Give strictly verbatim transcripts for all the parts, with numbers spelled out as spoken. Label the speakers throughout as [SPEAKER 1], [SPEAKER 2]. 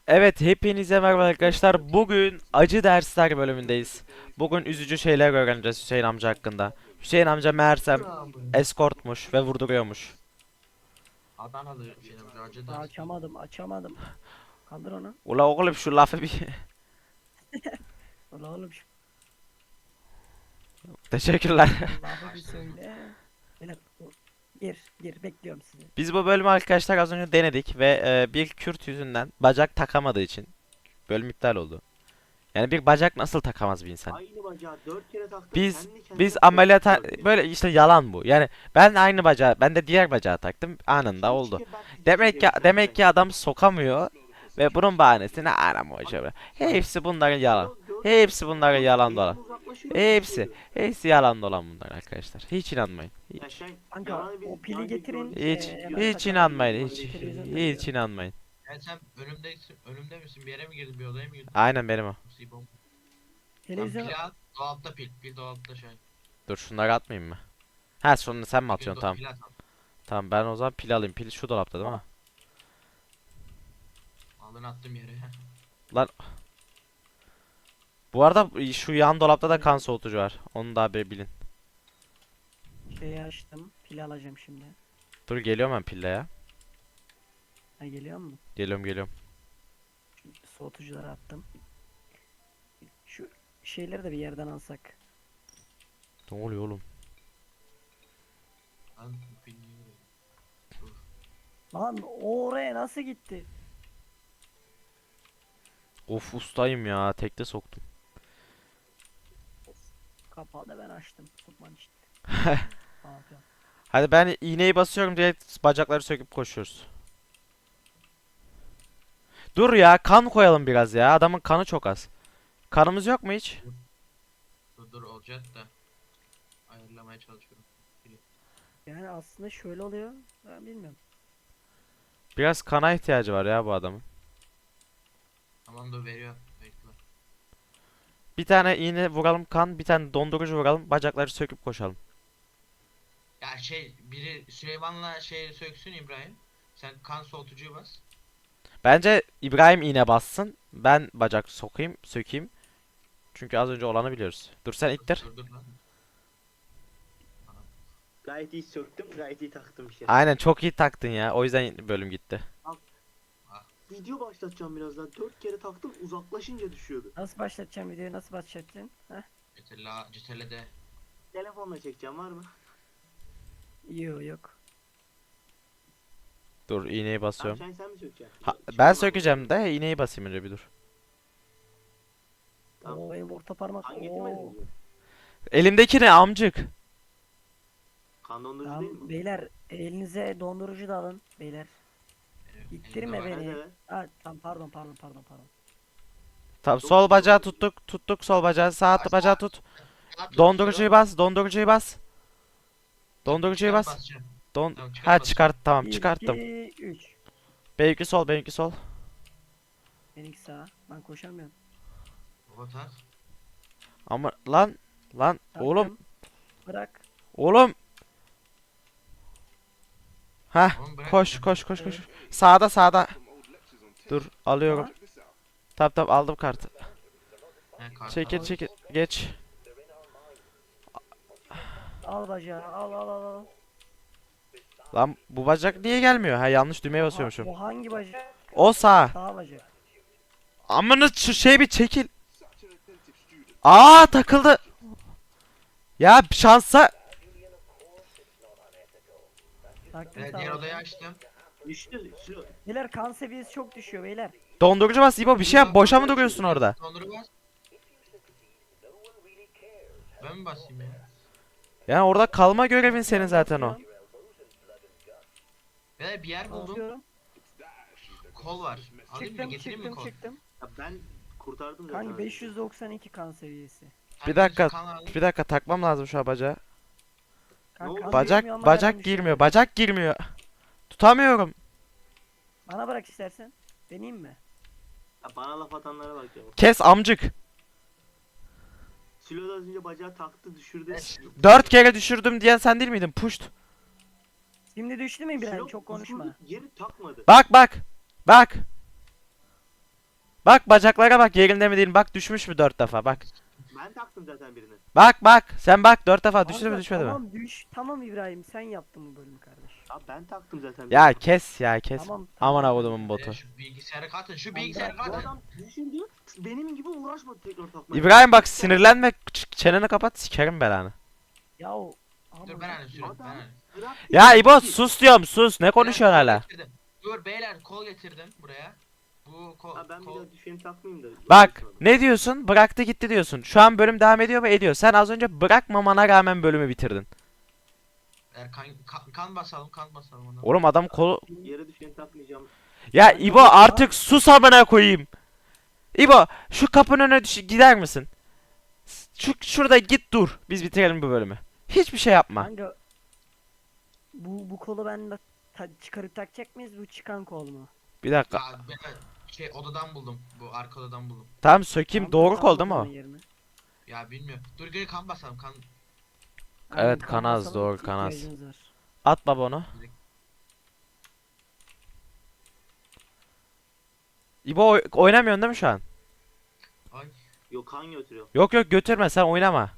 [SPEAKER 1] Evet, hepinize merhaba arkadaşlar. Bugün acı dersler bölümündeyiz. Bugün üzücü şeyler öğreneceğiz Hüseyin amca hakkında. Hüseyin amca meğersem
[SPEAKER 2] Bravo.
[SPEAKER 1] eskortmuş ve vurduruyormuş.
[SPEAKER 2] Adanalı film acı
[SPEAKER 3] Daha
[SPEAKER 2] dersi.
[SPEAKER 3] açamadım, açamadım. Kaldır onu.
[SPEAKER 1] Ula oğlum şu lafı bir...
[SPEAKER 3] Ulan oğlum şu
[SPEAKER 1] Teşekkürler.
[SPEAKER 3] lafı bir söyle. Beyler, dur. Gir, gir. Bekliyorum sizi.
[SPEAKER 1] Biz bu bölümü arkadaşlar az önce denedik ve e, bir Kürt yüzünden bacak takamadığı için bölüm iptal oldu. Yani bir bacak nasıl takamaz bir insan?
[SPEAKER 4] Aynı bacağı dört kere taktım,
[SPEAKER 1] Biz
[SPEAKER 4] kendi kendine
[SPEAKER 1] biz
[SPEAKER 4] koptu
[SPEAKER 1] ameliyata
[SPEAKER 4] dört kere.
[SPEAKER 1] böyle işte yalan bu. Yani ben aynı bacağı, ben de diğer bacağı taktım anında
[SPEAKER 4] Hiç
[SPEAKER 1] oldu.
[SPEAKER 4] ki ben fizik
[SPEAKER 1] Demek ki
[SPEAKER 4] çekerim,
[SPEAKER 1] demek ki
[SPEAKER 4] sen
[SPEAKER 1] adam sokamıyor ve bunun bahanesini aram hocam. Hepsi bunların yalan.
[SPEAKER 4] Dört- dört-
[SPEAKER 1] Hepsi bunların
[SPEAKER 4] dört
[SPEAKER 1] yalan
[SPEAKER 4] elim
[SPEAKER 1] dolan.
[SPEAKER 4] uzaklaşıyor,
[SPEAKER 1] Hepsi.
[SPEAKER 4] düşüyor.
[SPEAKER 1] Hepsi yalan dolan bunlar arkadaşlar. Hiç inanmayın.
[SPEAKER 4] Ya
[SPEAKER 1] Hiç.
[SPEAKER 4] sen
[SPEAKER 3] Kanka
[SPEAKER 4] yalanı biz
[SPEAKER 3] o
[SPEAKER 4] daha
[SPEAKER 3] pili
[SPEAKER 4] önce
[SPEAKER 3] getirin.
[SPEAKER 4] gördük.
[SPEAKER 1] Hiç.
[SPEAKER 3] Ee,
[SPEAKER 4] Yok,
[SPEAKER 3] hemen
[SPEAKER 1] Hiç
[SPEAKER 3] takalım.
[SPEAKER 1] inanmayın. Hiç.
[SPEAKER 3] Televizyonda
[SPEAKER 1] Hiç
[SPEAKER 3] diyor.
[SPEAKER 1] inanmayın.
[SPEAKER 2] Yani sen önümdesin, önümde misin? Bir yere mi girdin? Bir odaya mı girdin?
[SPEAKER 1] Aynen benim o.
[SPEAKER 2] Musibom. Lan
[SPEAKER 3] Televizyon
[SPEAKER 2] pil al. Dolapta pil. Pil dolapta şey.
[SPEAKER 1] Dur şunları atmayayım mı? Ha sonra sen mi
[SPEAKER 2] Pil,
[SPEAKER 1] atıyorsun?
[SPEAKER 2] do
[SPEAKER 1] Tamam.
[SPEAKER 2] pil at. al.
[SPEAKER 1] Tamam ben o zaman pil alayım. Pil şu dolapta değil mi?
[SPEAKER 2] Aldın attım yere.
[SPEAKER 1] Lan bu arada şu yan dolapta da kan soğutucu var. Onu da bir bilin.
[SPEAKER 3] şeyi açtım. Pil alacağım şimdi.
[SPEAKER 1] Dur geliyorum ben pille ya.
[SPEAKER 3] Ha, geliyor mu?
[SPEAKER 1] Geliyorum geliyorum.
[SPEAKER 3] Soğutucuları attım. Şu şeyleri de bir yerden alsak.
[SPEAKER 1] Ne oluyor oğlum?
[SPEAKER 2] Lan bu pil niye böyle? Dur.
[SPEAKER 3] Lan o oraya nasıl gitti?
[SPEAKER 1] Of ustayım ya. Tekte soktum.
[SPEAKER 3] Kapağı da ben açtım. Sokman için. Aferin.
[SPEAKER 1] Hadi ben iğneyi basıyorum diye bacakları söküp koşuyoruz. Dur ya kan koyalım biraz ya. Adamın kanı çok az. Kanımız yok mu hiç?
[SPEAKER 2] Dur dur olacak da. Ayarlamaya çalışıyorum.
[SPEAKER 3] Yani aslında şöyle oluyor. Ben bilmiyorum.
[SPEAKER 1] Biraz kana ihtiyacı var ya bu adamın.
[SPEAKER 2] Tamam dur veriyor. Bekle.
[SPEAKER 1] Bir tane iğne vuralım kan, bir tane dondurucu vuralım, bacakları söküp koşalım.
[SPEAKER 2] Ya şey biri Süleyman'la şey söksün İbrahim. Sen kan soğutucuyu bas.
[SPEAKER 1] Bence İbrahim iğne bassın. Ben bacak sokayım, sökeyim. Çünkü az önce olanı biliyoruz. Dur sen
[SPEAKER 2] Dur
[SPEAKER 1] ittir.
[SPEAKER 2] dur, dur lan.
[SPEAKER 4] Gayet iyi söktüm, gayet iyi taktım işte.
[SPEAKER 1] Aynen çok iyi taktın ya. O yüzden bölüm gitti.
[SPEAKER 4] Video başlatacağım birazdan. Dört kere taktım, uzaklaşınca düşüyordu.
[SPEAKER 3] Nasıl başlatacağım videoyu? Nasıl başlatacaksın? Heh.
[SPEAKER 2] Cetella, Cetelle'de.
[SPEAKER 4] Telefonla çekeceğim, var mı?
[SPEAKER 3] Yok yok.
[SPEAKER 1] Dur iğneyi
[SPEAKER 4] Abi
[SPEAKER 1] basıyorum.
[SPEAKER 4] sen, sen mi sökeceksin?
[SPEAKER 1] Ha,
[SPEAKER 4] Çıkma
[SPEAKER 1] ben
[SPEAKER 4] bak.
[SPEAKER 1] sökeceğim de iğneyi basayım önce bir dur.
[SPEAKER 4] Tamam.
[SPEAKER 3] Oo benim orta parmak.
[SPEAKER 4] Kan getirmedin
[SPEAKER 3] Oo.
[SPEAKER 4] mi?
[SPEAKER 1] Elimdeki ne amcık?
[SPEAKER 4] Kan dondurucu değil
[SPEAKER 3] Tamam
[SPEAKER 4] mi?
[SPEAKER 3] beyler elinize dondurucu da alın beyler.
[SPEAKER 2] Benim
[SPEAKER 3] İttirme
[SPEAKER 2] elimde var.
[SPEAKER 3] beni.
[SPEAKER 4] Evet.
[SPEAKER 3] Ha tamam pardon pardon pardon pardon.
[SPEAKER 1] Tamam
[SPEAKER 4] Çok
[SPEAKER 1] sol
[SPEAKER 4] iyi
[SPEAKER 1] bacağı
[SPEAKER 4] oldu.
[SPEAKER 1] tuttuk. Tuttuk sol bacağı. Sağ
[SPEAKER 2] Bas,
[SPEAKER 1] bacağı tut.
[SPEAKER 2] At,
[SPEAKER 1] Dondurucuyu
[SPEAKER 2] at,
[SPEAKER 1] bas. Dondurucuyu bas. Dondurucuyu
[SPEAKER 2] çıkar,
[SPEAKER 1] bas.
[SPEAKER 2] basacağım.
[SPEAKER 1] Don
[SPEAKER 2] Tamam, çıkar,
[SPEAKER 1] ha
[SPEAKER 2] basacağım.
[SPEAKER 1] çıkart tamam
[SPEAKER 3] bir,
[SPEAKER 1] çıkarttım.
[SPEAKER 3] iki, üç.
[SPEAKER 1] Benimki sol benimki sol.
[SPEAKER 3] Benimki sağ. Ben koşamıyorum.
[SPEAKER 2] Baba tak.
[SPEAKER 1] Ama lan lan oğlum
[SPEAKER 3] Taktım. Bırak.
[SPEAKER 1] oğlum. Heh
[SPEAKER 2] Oğlum bırak.
[SPEAKER 1] koş koş koş koş.
[SPEAKER 3] Evet.
[SPEAKER 1] Sağda sağda. Dur alıyorum.
[SPEAKER 3] Tamam.
[SPEAKER 1] Tamam tamam aldım kartı.
[SPEAKER 2] He, kartal.
[SPEAKER 1] Çekil çekil geç.
[SPEAKER 3] Al bacağı al al al al.
[SPEAKER 1] Lan bu bacak niye gelmiyor? Ha yanlış düğmeye
[SPEAKER 3] Ha,
[SPEAKER 1] basıyormuşum.
[SPEAKER 3] bu hangi bacak?
[SPEAKER 1] O sağ.
[SPEAKER 3] Sağ bacak.
[SPEAKER 1] Amına şu şey bir çekil. Aa takıldı. Ya şansa.
[SPEAKER 3] Taktım
[SPEAKER 2] Evet,
[SPEAKER 3] sağ
[SPEAKER 2] diğer odayı
[SPEAKER 3] bacağı.
[SPEAKER 2] açtım.
[SPEAKER 4] Düştü. Silo.
[SPEAKER 3] Beyler kan seviyesi çok düşüyor beyler.
[SPEAKER 1] Dondurucu bas İbo bir şey yap. Boşa mı duruyorsun orada?
[SPEAKER 2] Dondurucu bas. Ben mi basayım ya?
[SPEAKER 1] Yani orada kalma görevin senin zaten o.
[SPEAKER 2] Ve bir yer buldum.
[SPEAKER 3] Basıyorum.
[SPEAKER 2] Kol var. Alayım mı?
[SPEAKER 3] Çıktım
[SPEAKER 2] Getireyim mi
[SPEAKER 3] çıktım
[SPEAKER 2] kol?
[SPEAKER 3] çıktım.
[SPEAKER 4] Ya ben kurtardım zaten.
[SPEAKER 3] Kanka beş yüz doksan iki kan seviyesi.
[SPEAKER 2] Sen
[SPEAKER 1] Bir dakika.
[SPEAKER 2] kan al.
[SPEAKER 1] Bir dakika takmam lazım şu an bacağı.
[SPEAKER 3] Kanka,
[SPEAKER 4] oldu?
[SPEAKER 3] kan
[SPEAKER 1] Bacak
[SPEAKER 3] girmiyor ama
[SPEAKER 1] bacak
[SPEAKER 3] ben düşüyorum.
[SPEAKER 1] girmiyor. Bacak girmiyor. Tutamıyorum.
[SPEAKER 3] Bana bırak istersen. Deneyeyim mi?
[SPEAKER 4] Ya bana laf atanlara bak ya.
[SPEAKER 1] Kes amcık.
[SPEAKER 4] Silo da az önce bacağı taktı, düşürdü.
[SPEAKER 2] Evet.
[SPEAKER 1] Dört kere düşürdüm diyen sen değil miydin? Puşt.
[SPEAKER 3] Şimdi düştü mü İbrahim?
[SPEAKER 4] Silo
[SPEAKER 3] Çok konuşma.
[SPEAKER 4] düşürdü, geri takmadı.
[SPEAKER 1] Bak bak. Bak. Bak bacaklara bak, yerinde mi değil mi? Bak düşmüş mü dört defa, bak.
[SPEAKER 4] Ben taktım zaten birini.
[SPEAKER 1] Bak bak sen bak, dört defa düştü mü
[SPEAKER 3] Kanka,
[SPEAKER 1] düşmedi mi?
[SPEAKER 3] tamam düş. Tamam İbrahim, sen yaptın bu bölümü kardeş.
[SPEAKER 4] Abi ben taktım zaten
[SPEAKER 1] Ya
[SPEAKER 4] birini.
[SPEAKER 1] kes ya kes.
[SPEAKER 3] Tamam.
[SPEAKER 1] Aman
[SPEAKER 3] tamam.
[SPEAKER 1] avudumun botu.
[SPEAKER 2] E, şu bilgisayarı katın. Şu
[SPEAKER 3] Ben
[SPEAKER 2] bilgisayarı
[SPEAKER 3] bırak,
[SPEAKER 4] Bu
[SPEAKER 2] katın.
[SPEAKER 4] adam düşündü. Benim gibi uğraşmadı tekrar takmaya.
[SPEAKER 1] İbrahim bak sinirlenme, ç- çeneni kapat, sikerim belanı.
[SPEAKER 3] Ya o.
[SPEAKER 2] Dur ben hani sürüyorum. Ben
[SPEAKER 4] Adam-
[SPEAKER 2] hani.
[SPEAKER 4] Bıraktı
[SPEAKER 1] Ya
[SPEAKER 4] gitti.
[SPEAKER 1] İbo sus diyorum, sus, ne konuşuyorsun
[SPEAKER 2] Beyler, kol
[SPEAKER 1] hala?
[SPEAKER 2] getirdim. Dur beyler, kol getirdim buraya. Bu kol,
[SPEAKER 4] Ha ben bir
[SPEAKER 2] kol...
[SPEAKER 4] daha düşeni takmayayım da.
[SPEAKER 1] Bak ne diyorsun, bıraktı gitti diyorsun. Şu an bölüm devam ediyor mu? Ediyor. Sen az önce bırakmamana rağmen bölümü bitirdin.
[SPEAKER 2] Eğer kan, kan, kan basalım, kan basalım ona.
[SPEAKER 1] Oğlum adam kolu...
[SPEAKER 4] Yere düşeni takmayacağım.
[SPEAKER 1] Ya İbo artık sus amına koyayım. İbo şu kapının önüne düş gider misin? Şu şurada git dur. Biz bitirelim bu bölümü. Hiçbir şey yapma.
[SPEAKER 3] Kanka. Bu bu kolu ben de ta- çıkarıp takacak mıyız? Bu çıkan kol mu?
[SPEAKER 1] Bir dakika.
[SPEAKER 2] Ya ben şey odadan buldum. Bu arka odadan buldum.
[SPEAKER 1] Tamam sökeyim.
[SPEAKER 3] Tamam,
[SPEAKER 1] Doğru
[SPEAKER 3] takalım
[SPEAKER 1] kol değil mi
[SPEAKER 3] o
[SPEAKER 1] o?
[SPEAKER 3] zaman yerine.
[SPEAKER 2] Ya bilmiyorum. Dur gel kan basalım, kan.
[SPEAKER 3] Aynen,
[SPEAKER 1] Evet,
[SPEAKER 3] kan
[SPEAKER 1] kanaz,
[SPEAKER 3] basalım,
[SPEAKER 1] doğru, kanaz.
[SPEAKER 3] ihtiyacımız var.
[SPEAKER 1] At baba onu. İbo oy- oynamıyorsun değil mi şu an?
[SPEAKER 2] Ay.
[SPEAKER 4] Yok kan götürüyor.
[SPEAKER 1] Yok yok götürme, sen oynama.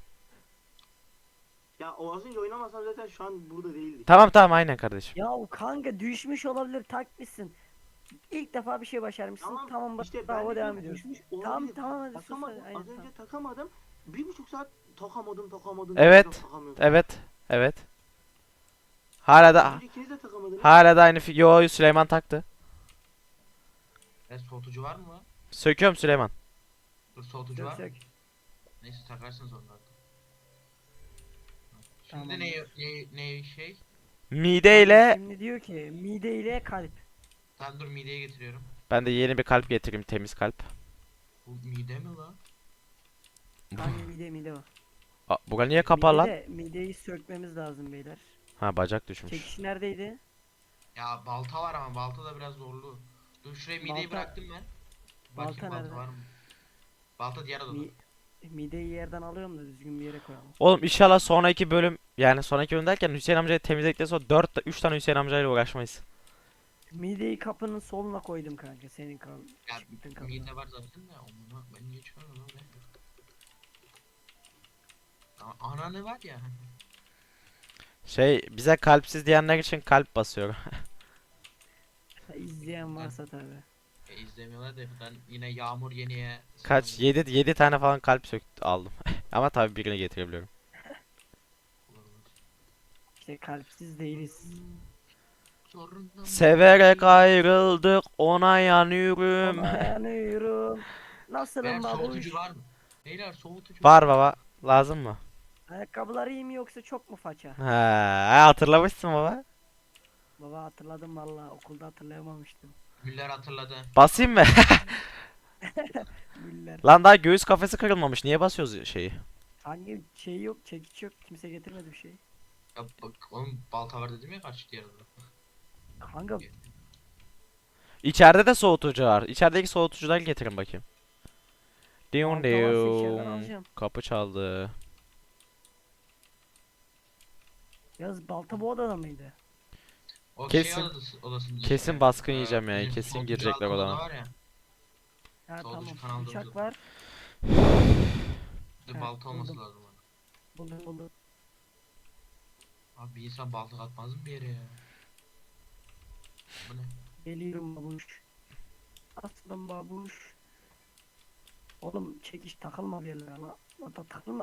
[SPEAKER 4] Ya o az önce oynamasam zaten şu an burada değildik.
[SPEAKER 1] Tamam tamam aynen kardeşim.
[SPEAKER 3] Ya o kanka düşmüş olabilir, takmışsın. İlk defa bir şey başarmışsın.
[SPEAKER 4] Tamam,
[SPEAKER 3] Tamam, bak
[SPEAKER 4] İşte
[SPEAKER 3] bravo,
[SPEAKER 4] ben
[SPEAKER 3] devam
[SPEAKER 4] de
[SPEAKER 3] ediyoruz.
[SPEAKER 4] düşmüş
[SPEAKER 3] Tamam
[SPEAKER 4] olabilir.
[SPEAKER 3] tamam hadi sus
[SPEAKER 4] Takamadım.
[SPEAKER 3] hadi. Aynen,
[SPEAKER 4] Az önce
[SPEAKER 3] tamam.
[SPEAKER 4] takamadım. Bir buçuk saat takamadım takamadım.
[SPEAKER 1] Evet,
[SPEAKER 4] tekrar takamıyorum.
[SPEAKER 1] Evet. Evet. Hala
[SPEAKER 4] Az
[SPEAKER 1] da
[SPEAKER 4] önce ikiniz de takamadınız.
[SPEAKER 1] hala da aynı fi- Yo Süleyman taktı.
[SPEAKER 2] E, soğutucu var mı lan?
[SPEAKER 1] Söküyorum Süleyman.
[SPEAKER 2] Dur soğutucu
[SPEAKER 3] Sök
[SPEAKER 2] var mı?
[SPEAKER 3] sök.
[SPEAKER 2] Neyse takarsınız onları. da. Şimdi
[SPEAKER 3] Tamam.
[SPEAKER 2] ne ne ne şey?
[SPEAKER 1] Mideyle
[SPEAKER 3] Şimdi diyor ki mide ile kalp.
[SPEAKER 2] Sen dur mideye getiriyorum.
[SPEAKER 1] ben de yeni bir kalp getireyim, temiz kalp.
[SPEAKER 2] Bu mide mi lan?
[SPEAKER 3] Hangi mide mide o?
[SPEAKER 1] Aa, bura niye kapalı lan?
[SPEAKER 3] Mide, mideyi sökmemiz lazım beyler.
[SPEAKER 1] Ha bacak düşmüş.
[SPEAKER 3] Çekiş neredeydi?
[SPEAKER 2] Ya balta var ama balta da biraz zorlu. Dur şuraya mideyi
[SPEAKER 3] Balta-
[SPEAKER 2] bıraktım ben.
[SPEAKER 3] balta
[SPEAKER 2] Bakayım balta
[SPEAKER 3] nerede?
[SPEAKER 2] var mı? Balta diğer odada.
[SPEAKER 3] Mi, mideyi yerden alıyorum da düzgün bir yere koyalım.
[SPEAKER 1] Oğlum inşallah sonraki bölüm, yani sonraki bölüm derken Hüseyin amcayı temizledikten sonra dört üç tane Hüseyin amcayla uğraşmayız.
[SPEAKER 3] Mideyi kapının soluna koydum kanka, senin kal.
[SPEAKER 2] Ya
[SPEAKER 3] çıktın kapına.
[SPEAKER 2] mide var zaten de onu ben geçiyorum lan. A- Ana ne var ya?
[SPEAKER 1] Şey bize kalpsiz diyenler için kalp basıyorum.
[SPEAKER 3] Ha, İzleyen varsa tabi.
[SPEAKER 2] E, izlemiyorlar da ben yine Yağmur Yeni'ye
[SPEAKER 1] Kaç? yedi yedi tane falan kalp söktü aldım. Ama tabii birini getirebiliyorum.
[SPEAKER 3] İşte kalpsiz değiliz.
[SPEAKER 2] Zorunda
[SPEAKER 1] Severek ayrıldık, ona yanıyorum.
[SPEAKER 3] Ona yanıyorum. Nasılım
[SPEAKER 2] Beyler
[SPEAKER 3] babuş?
[SPEAKER 2] soğutucu var mı? Beyler soğutucu
[SPEAKER 1] Var baba. Lazım mı?
[SPEAKER 3] Ayakkabıları iyi mi yoksa çok mu faça?
[SPEAKER 1] Ha, hatırlamışsın baba.
[SPEAKER 3] Baba hatırladım valla, okulda hatırlayamamıştım.
[SPEAKER 2] Müller hatırladı.
[SPEAKER 1] Basayım mı?
[SPEAKER 3] Güller.
[SPEAKER 1] Lan daha göğüs kafesi kırılmamış. Niye basıyoruz şeyi?
[SPEAKER 3] Hangi şey yok, çekiç yok, kimse getirmedi bir şey.
[SPEAKER 2] Ya bak oğlum balta var dedim ya kaç diğer odada.
[SPEAKER 3] Kanka
[SPEAKER 1] İçeride de soğutucu var. İçerideki soğutucuları getirin bakayım. Diyon
[SPEAKER 3] balta varsa içeriden
[SPEAKER 1] diyon.
[SPEAKER 3] alacağım.
[SPEAKER 1] Kapı çaldı.
[SPEAKER 3] Yaz balta bu odada mıydı?
[SPEAKER 2] O
[SPEAKER 1] Kesin-
[SPEAKER 2] şey odası, odasında
[SPEAKER 1] kesin
[SPEAKER 2] işte.
[SPEAKER 1] baskın
[SPEAKER 2] Ee,
[SPEAKER 1] yiyeceğim ya,
[SPEAKER 2] bizim
[SPEAKER 1] kesin
[SPEAKER 2] soğutucu
[SPEAKER 1] girecekler
[SPEAKER 2] altı
[SPEAKER 1] odama.
[SPEAKER 2] oda var ya.
[SPEAKER 3] Ha
[SPEAKER 2] Soğutucu
[SPEAKER 3] tamam,
[SPEAKER 2] kanalda
[SPEAKER 3] bıçak
[SPEAKER 2] oldu.
[SPEAKER 3] var.
[SPEAKER 2] Bir de
[SPEAKER 3] Ha,
[SPEAKER 2] balta olması
[SPEAKER 3] buldum.
[SPEAKER 2] lazım ona.
[SPEAKER 3] Buldum buldum.
[SPEAKER 2] Abi bir insan balta atmaz mı bir yere ya? Bu ne?
[SPEAKER 3] Geliyorum babuş. Aslım babuş. Oğlum çekiş takılma bir yerlere lan. Lan da takılma.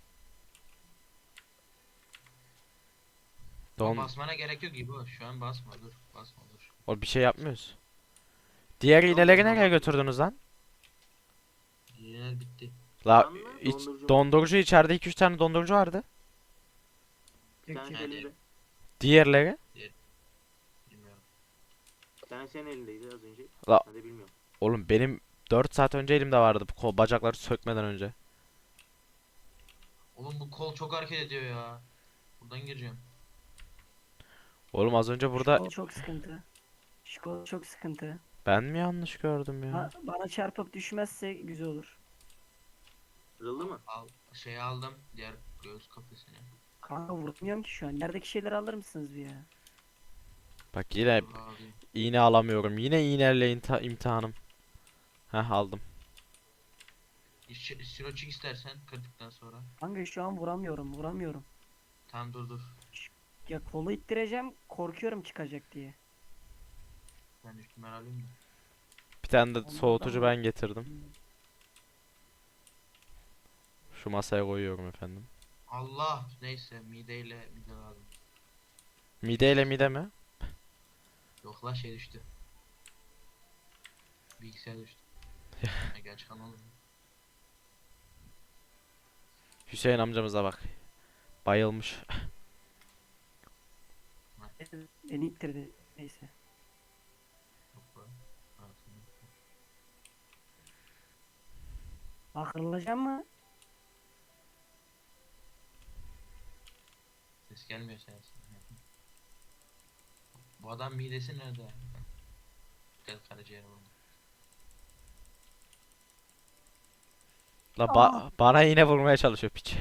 [SPEAKER 1] Don.
[SPEAKER 2] Basmana gerek yok gibi o. Şu an basma dur. Basma dur.
[SPEAKER 1] O bir şey yapmıyoruz. Diğer iğneleri nereye götürdünüz lan?
[SPEAKER 2] Yine bitti.
[SPEAKER 1] La
[SPEAKER 4] Can mı?
[SPEAKER 1] iç,
[SPEAKER 4] Dondurucu.
[SPEAKER 1] dondurucu içeride iki üç tane dondurucu vardı.
[SPEAKER 4] Sen
[SPEAKER 3] Çek, çek.
[SPEAKER 4] senin elinde.
[SPEAKER 1] Diğerleri?
[SPEAKER 2] Bilmiyorum.
[SPEAKER 4] Sen senin elindeydi az önce.
[SPEAKER 1] La-
[SPEAKER 4] Ben de bilmiyorum.
[SPEAKER 1] Oğlum benim dört saat önce elimde vardı, bu kol bacakları sökmeden önce.
[SPEAKER 2] Oğlum bu kol çok hareket ediyor ya. Buradan gireceğim.
[SPEAKER 1] Oğlum az önce
[SPEAKER 3] Şu
[SPEAKER 1] burada
[SPEAKER 3] kol çok sıkıntı. Şu kol çok sıkıntı.
[SPEAKER 1] ben mi yanlış gördüm ya?
[SPEAKER 3] Ha, bana çarpıp düşmezse güzel olur.
[SPEAKER 4] Kırıldı mı?
[SPEAKER 2] Al, şey aldım. Diğer göğüs kafesini.
[SPEAKER 3] Kanka vurmuyorum ki şu an. Yerdeki şeyleri alır mısınız bir ya?
[SPEAKER 1] Bak yine
[SPEAKER 2] Dur alayım.
[SPEAKER 1] iğne alamıyorum. Yine iğneyle imta- imtihanım. Heh aldım.
[SPEAKER 2] Ş- Siroçik istersen kırdıktan sonra.
[SPEAKER 3] Kanka şu an vuramıyorum vuramıyorum.
[SPEAKER 2] Tamam dur dur.
[SPEAKER 3] Ya kolu ittireceğim korkuyorum çıkacak diye.
[SPEAKER 2] Ben üstüme alayım da.
[SPEAKER 1] Bir tane de
[SPEAKER 3] Onlardan
[SPEAKER 1] soğutucu
[SPEAKER 3] mı?
[SPEAKER 1] ben getirdim. Şu masaya koyuyorum efendim.
[SPEAKER 2] Allah neyse mideyle mide lazım.
[SPEAKER 1] Mide ile mide mi?
[SPEAKER 2] Yok la şey düştü. Bilgisayar düştü. Ha, geç kanalım.
[SPEAKER 1] Hüseyin amcamıza bak. Bayılmış.
[SPEAKER 3] Beni ittirdi. Neyse.
[SPEAKER 2] Yok lan. Ha, tamam.
[SPEAKER 3] Bak kırılacak mı?
[SPEAKER 2] Ses gelmiyor sensin. Bu adam midesi nerede? Gel karaciğerim oldu.
[SPEAKER 1] La ba- bana yine vurmaya çalışıyor piç.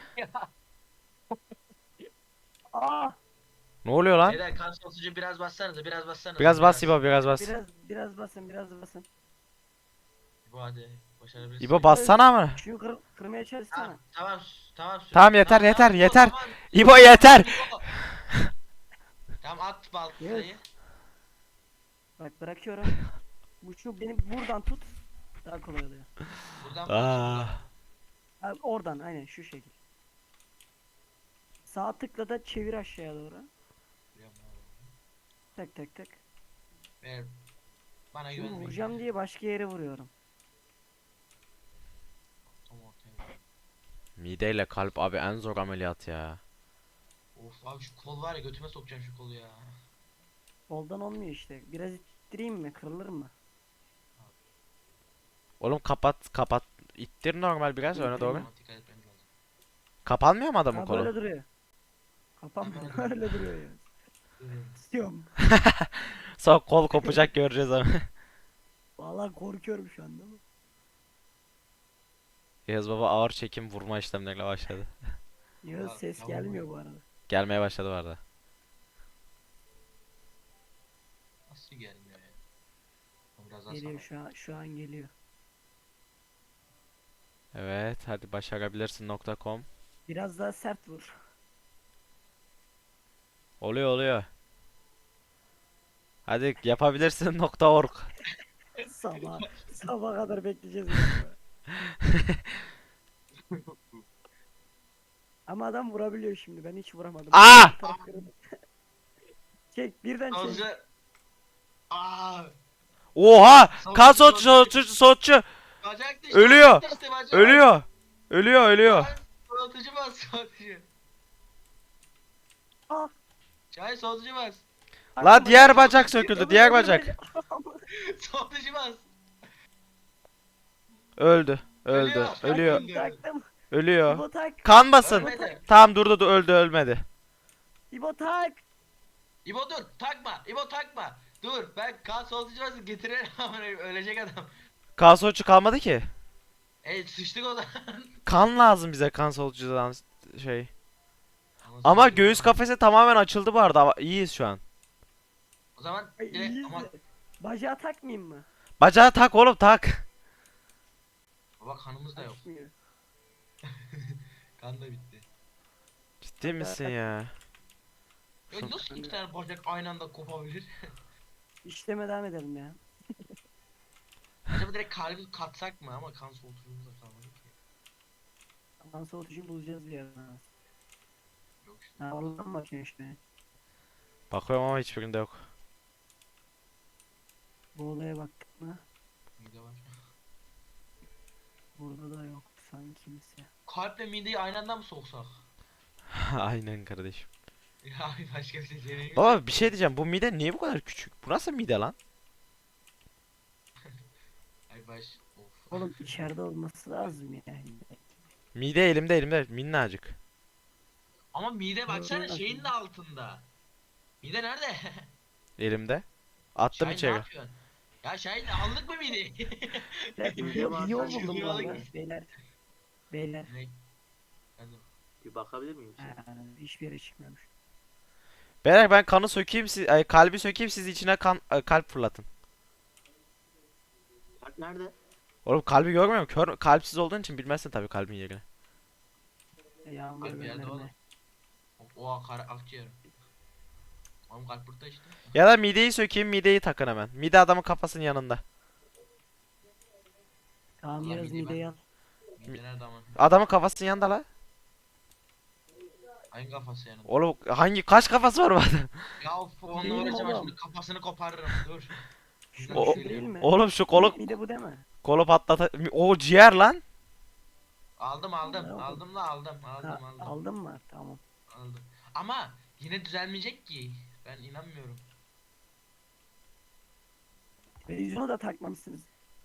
[SPEAKER 3] Aa!
[SPEAKER 1] Ne oluyor lan?
[SPEAKER 2] Beyler kan soğutucu biraz bassanıza biraz bassanıza.
[SPEAKER 1] Biraz bas İbo, biraz bas.
[SPEAKER 3] Biraz biraz basın biraz basın.
[SPEAKER 2] İbo hadi başarabilirsin.
[SPEAKER 1] İbo bassana mı?
[SPEAKER 3] Şunu kır, kırmaya çalışsana.
[SPEAKER 2] Tamam tamam tamam. sür.
[SPEAKER 1] Tamam, yeter, yeter,
[SPEAKER 2] tamam,
[SPEAKER 1] yeter.
[SPEAKER 2] tamam.
[SPEAKER 1] İbo yeter.
[SPEAKER 2] İbo. Tamam at baltayı.
[SPEAKER 3] Yes. Bak bırakıyorum. Bu şu beni buradan tut. Daha kolay oluyor.
[SPEAKER 2] Buradan
[SPEAKER 1] Aa.
[SPEAKER 2] bak.
[SPEAKER 3] Ha, oradan aynen şu şekil. Sağ tıkla da çevir aşağıya doğru. Tak tak tak.
[SPEAKER 2] Ver. Bana
[SPEAKER 3] Şunu
[SPEAKER 2] güvenmeyin.
[SPEAKER 3] vuracağım diye başka yere vuruyorum.
[SPEAKER 2] Tam ortaya.
[SPEAKER 1] Mide ile kalp abi en zor ameliyat ya.
[SPEAKER 2] Of abi şu kol var ya götüme sokacağım şu kolu ya.
[SPEAKER 3] Soldan olmuyor işte. Biraz ittireyim mi? Kırılır mı?
[SPEAKER 1] Oğlum kapat kapat. İttir normal biraz öne doğru.
[SPEAKER 2] Ama dikkat etmem lazım.
[SPEAKER 1] Kapanmıyor mu adamın
[SPEAKER 3] Ha,
[SPEAKER 1] kolu?
[SPEAKER 3] böyle duruyor. Kapanmıyor. Öyle duruyor ya. İstiyorum.
[SPEAKER 1] Sonra kol kopacak göreceğiz ama.
[SPEAKER 3] Vallahi korkuyorum şu anda.
[SPEAKER 1] Yağız baba ağır çekim vurma işlemleriyle başladı.
[SPEAKER 3] Ya
[SPEAKER 2] Ya,
[SPEAKER 3] ses
[SPEAKER 2] tamam.
[SPEAKER 3] gelmiyor bu arada.
[SPEAKER 1] Gelmeye başladı bu arada.
[SPEAKER 2] Nasıl gelmiyor ya? Biraz daha
[SPEAKER 3] Geliyor
[SPEAKER 2] sağ
[SPEAKER 3] şu an şu an geliyor.
[SPEAKER 1] Evet hadi başarabilirsin nokta com.
[SPEAKER 3] Biraz daha sert vur.
[SPEAKER 1] Oluyor oluyor. Hadi yapabilirsin nokta org.
[SPEAKER 3] Sabah sabah kadar bekleyeceğiz. ya. Ama adam vurabiliyor şimdi. Ben hiç vuramadım.
[SPEAKER 1] Aa!
[SPEAKER 3] Bir taraf kırıldı. Çek birden çek.
[SPEAKER 2] Sonucu... Aaa!
[SPEAKER 1] Oha! Kan soğutucu soğutucu soğutucu.
[SPEAKER 2] Bacak düştü.
[SPEAKER 1] Ölüyor.
[SPEAKER 2] bacak düştü, bacak.
[SPEAKER 1] Ölüyor. Ölüyor ölüyor.
[SPEAKER 2] Lan, Soğutucu bas soğutucu.
[SPEAKER 3] Ah!
[SPEAKER 2] Çay soğutucu bas.
[SPEAKER 1] La diğer bacak söküldü, diğer bacak.
[SPEAKER 2] Soğutucu bas.
[SPEAKER 1] Öldü. Öldü.
[SPEAKER 2] Ölüyor.
[SPEAKER 1] Ölüyor.
[SPEAKER 2] Öldü.
[SPEAKER 3] Taktım.
[SPEAKER 1] Ölüyor.
[SPEAKER 3] İbo tak.
[SPEAKER 1] Kan basın.
[SPEAKER 2] Ölmedi.
[SPEAKER 1] Tamam durdu du- öldü ölmedi.
[SPEAKER 3] İbo tak.
[SPEAKER 2] İbo dur takma. İbo takma. Dur ben kan soğutucu bas getirelim ama ölecek adam.
[SPEAKER 1] Kan soğutucu kalmadı ki.
[SPEAKER 2] E sıçtık o zaman.
[SPEAKER 1] Kan lazım bize kan soğutucudan şey. Ama göğüs kafesi tamamen açıldı bu arada. İyiyiz şu an.
[SPEAKER 2] O zaman
[SPEAKER 3] Ay,
[SPEAKER 2] direkt
[SPEAKER 3] iyiyiz
[SPEAKER 2] ama
[SPEAKER 3] de. Bacağı takmayayım mı?
[SPEAKER 1] Bacağı tak oğlum tak.
[SPEAKER 2] baba kanımız da yok.
[SPEAKER 3] Açmıyor.
[SPEAKER 2] Kan da bitti.
[SPEAKER 1] Ciddi misin ya?
[SPEAKER 2] Ya nasıl iki tane bacak aynı anda kopabilir?
[SPEAKER 3] İşleme devam edelim ya.
[SPEAKER 2] Acaba direkt kalbi katsak mı ama kan soğutucumuz da kalmadı ki.
[SPEAKER 3] Aman soğutucu bulacağız bir yerden.
[SPEAKER 2] Yok işte.
[SPEAKER 3] Ha oradan bakıyor işte.
[SPEAKER 1] Bakıyorum ama hiçbirinde yok.
[SPEAKER 3] Bu olaya baktık mı?
[SPEAKER 2] Mide var.
[SPEAKER 3] Burada da yok sanki kimse.
[SPEAKER 2] Kalple mideyi aynı anda mı soksak?
[SPEAKER 1] Aynen kardeşim.
[SPEAKER 2] Ya başka bir seçeneği yok.
[SPEAKER 1] Baba bir şey diyeceğim. Bu mide niye bu kadar küçük? Bu nasıl mide lan?
[SPEAKER 2] Ay baş. Of.
[SPEAKER 3] Oğlum içeride olması lazım yani.
[SPEAKER 1] Mide elimde elimde minnacık.
[SPEAKER 2] Ama mide baksana
[SPEAKER 3] Öyle
[SPEAKER 2] şeyin de altında. Mide nerede?
[SPEAKER 1] Elimde. Attım
[SPEAKER 2] Şahin ne
[SPEAKER 1] içeri.
[SPEAKER 2] yapıyorsun? Ya Şahin aldık mı mideyi?
[SPEAKER 3] Bir yol, bir yol buldum bu
[SPEAKER 2] Yürü,
[SPEAKER 3] arada.
[SPEAKER 2] yürü.
[SPEAKER 3] Beyler. Beyler.
[SPEAKER 2] ne? Ben de-
[SPEAKER 4] Bir bakabilir miyim?
[SPEAKER 3] Ha, hiçbir yere çıkmıyormuş.
[SPEAKER 1] Beyler ben kanı sökeyim siz ay, kalbi sökeyim siz içine kan ay, kalp fırlatın.
[SPEAKER 4] Kalp nerede?
[SPEAKER 1] Oğlum kalbi görmüyor musun? Kör, kalpsiz olduğun için bilmezsin tabii kalbin yerini.
[SPEAKER 3] Yağmur
[SPEAKER 2] Kalp yerde
[SPEAKER 3] gönderme.
[SPEAKER 2] oğlum. Oha kara akciğer. Oğlum kalp burada işte.
[SPEAKER 1] Ya da mideyi sökeyim, mideyi takın hemen. Mide adamın kafasının yanında.
[SPEAKER 3] Tamam
[SPEAKER 2] Ulan
[SPEAKER 3] biraz
[SPEAKER 2] mideyi ben-
[SPEAKER 3] mideyi al.
[SPEAKER 2] Mide nerede ama?
[SPEAKER 1] Adamın kafasının yanında la.
[SPEAKER 2] Hangi kafası yanında?
[SPEAKER 1] Oğlum hangi kaç kafası var bu adam?
[SPEAKER 2] Ya of, onunla
[SPEAKER 3] Değil mi
[SPEAKER 2] uğraşamam
[SPEAKER 3] oğlum?
[SPEAKER 2] şimdi kafasını koparırım dur.
[SPEAKER 3] Şu
[SPEAKER 1] O-
[SPEAKER 3] şu değil mi?
[SPEAKER 1] Oğlum şu kolu
[SPEAKER 3] Mide bu değil mi?
[SPEAKER 1] kolu patlata o ciğer lan.
[SPEAKER 2] Aldım aldım
[SPEAKER 3] Ne oldu?
[SPEAKER 2] aldım la aldım aldım
[SPEAKER 3] Ha,
[SPEAKER 2] aldım
[SPEAKER 3] aldın mı? Tamam.
[SPEAKER 2] aldım. Ama yine düzelmeyecek ki. Ben inanmıyorum.
[SPEAKER 3] Televizyonu da takmamışsınız.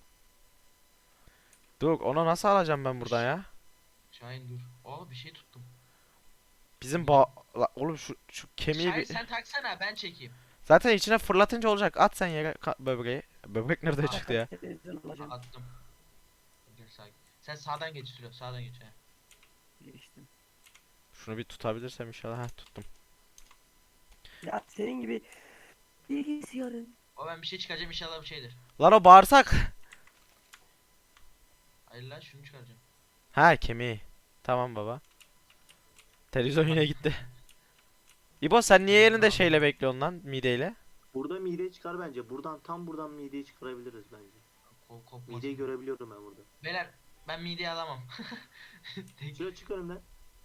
[SPEAKER 1] Dur onu nasıl alacağım ben buradan ya?
[SPEAKER 2] Şahin dur. Aa bir şey tuttum.
[SPEAKER 1] Bizim ba la, oğlum şu şu kemiği
[SPEAKER 2] Şahin
[SPEAKER 1] bir...
[SPEAKER 2] sen taksana ben çekeyim.
[SPEAKER 1] Zaten içine fırlatınca olacak. At sen yere ka- böbreği. Böbrek nerede
[SPEAKER 2] Aa,
[SPEAKER 1] çıktı ya?
[SPEAKER 3] Televizyon alacağım.
[SPEAKER 2] Attım. Gel sakin. Sen sağdan geç sürüyor sağdan geç he.
[SPEAKER 3] Geçtim.
[SPEAKER 1] Şunu bir tutabilirsem inşallah. Ha tuttum.
[SPEAKER 3] Ya senin gibi bilgisayarın.
[SPEAKER 2] O ben bir şey çıkaracağım inşallah bir şeydir.
[SPEAKER 1] Lan o bağırsak.
[SPEAKER 2] Hayır lan şunu çıkaracağım.
[SPEAKER 1] Ha kemiği. Tamam baba. Televizyon yine gitti. İbo sen niye elinde şeyle bekliyorsun lan mideyle?
[SPEAKER 4] Burada mideyi çıkar bence. Buradan tam buradan mideyi çıkarabiliriz bence.
[SPEAKER 2] Kol kopmasın.
[SPEAKER 4] Mideyi görebiliyorum ben burada.
[SPEAKER 2] Beyler ben mideyi alamam. Tek-
[SPEAKER 4] Şuraya çık önümden.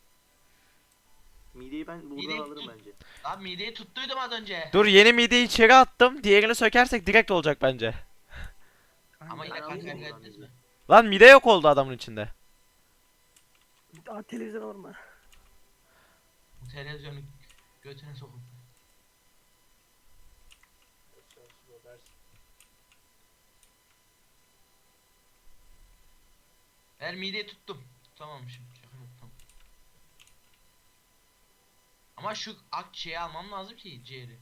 [SPEAKER 4] Mideyi ben buradan
[SPEAKER 2] Mideyi
[SPEAKER 4] alırım
[SPEAKER 2] tut.
[SPEAKER 4] bence.
[SPEAKER 2] Lan mideyi tuttuydum az önce.
[SPEAKER 1] Dur yeni mideyi içeri attım. Diğerini sökersek direkt olacak bence.
[SPEAKER 2] Ama yine
[SPEAKER 4] Ben
[SPEAKER 2] kan
[SPEAKER 4] alayım
[SPEAKER 2] kaybettiniz
[SPEAKER 4] oradan
[SPEAKER 2] mi?
[SPEAKER 4] mideyi.
[SPEAKER 1] Lan mide yok oldu adamın içinde.
[SPEAKER 3] Aa televizyon olma.
[SPEAKER 2] Bu televizyonu götüne sokun. Ben mideyi tuttum. Tutamamışım. Şaka yok, tamam. Ama şu ak şeyi almam lazım ki ciğeri.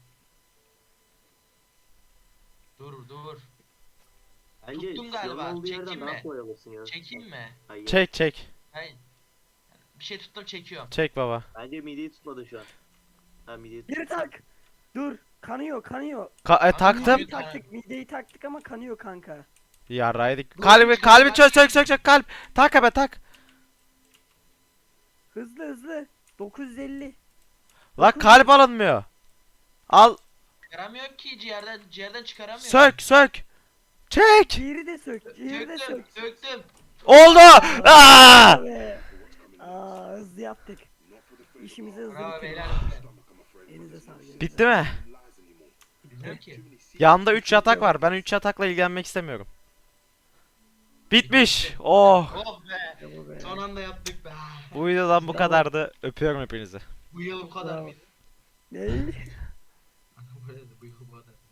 [SPEAKER 2] Dur dur.
[SPEAKER 4] Bence
[SPEAKER 2] Tuttum galiba.
[SPEAKER 4] siyahın olduğu yerden
[SPEAKER 2] Çekeyim
[SPEAKER 4] daha
[SPEAKER 2] mi?
[SPEAKER 4] kolay alırsın ya.
[SPEAKER 2] Çekeyim mi?
[SPEAKER 4] Hayır.
[SPEAKER 1] Çek çek.
[SPEAKER 2] Hayır. Bir şey tuttum çekiyorum.
[SPEAKER 1] Çek baba.
[SPEAKER 4] Bence mideyi tutmadı şu an. Ha mideyi tut.
[SPEAKER 3] Geri tak. Dur. Kanıyor kanıyor.
[SPEAKER 1] Ka- e,
[SPEAKER 2] Abi,
[SPEAKER 1] taktım.
[SPEAKER 2] mideyi-
[SPEAKER 3] Mideyi taktık. Mideyi taktık ama kanıyor kanka.
[SPEAKER 1] Yarraydık.
[SPEAKER 2] Dur,
[SPEAKER 1] Kalbi
[SPEAKER 2] bir
[SPEAKER 1] kalbi
[SPEAKER 2] şey
[SPEAKER 1] çök sök sök sök kalp. Tak abi tak.
[SPEAKER 3] Hızlı hızlı. dokuz yüz elli.
[SPEAKER 1] La kalp alınmıyor. Al
[SPEAKER 2] Çıkaramıyor ki ciğerden ciğerden çıkaramıyor.
[SPEAKER 1] sök sök. Çek.
[SPEAKER 3] Ciğeri de sök. Ciğeri de
[SPEAKER 2] Söktüm,
[SPEAKER 3] sök.
[SPEAKER 2] söktüm.
[SPEAKER 1] Oldu. Aa!
[SPEAKER 3] Be. Aa hızlı yaptık. İşimizi hızlı
[SPEAKER 2] Bravo
[SPEAKER 3] bitirdik.
[SPEAKER 2] beyler.
[SPEAKER 3] Elinize sağlık.
[SPEAKER 1] Bitti mi?
[SPEAKER 2] Bilmiyorum ki.
[SPEAKER 1] Yanında üç yatak var. Ben üç yatakla ilgilenmek istemiyorum. Bitmiş. Oh.
[SPEAKER 2] Oh be.
[SPEAKER 3] Bu be.
[SPEAKER 2] Son anda yaptık be.
[SPEAKER 1] Bu videodan bu kadardı. Öpüyorum hepinizi.
[SPEAKER 2] Bu yıl bu kadar
[SPEAKER 3] Bravo.
[SPEAKER 2] mıydı?
[SPEAKER 3] Ne?
[SPEAKER 2] Bu yıl bu kadar.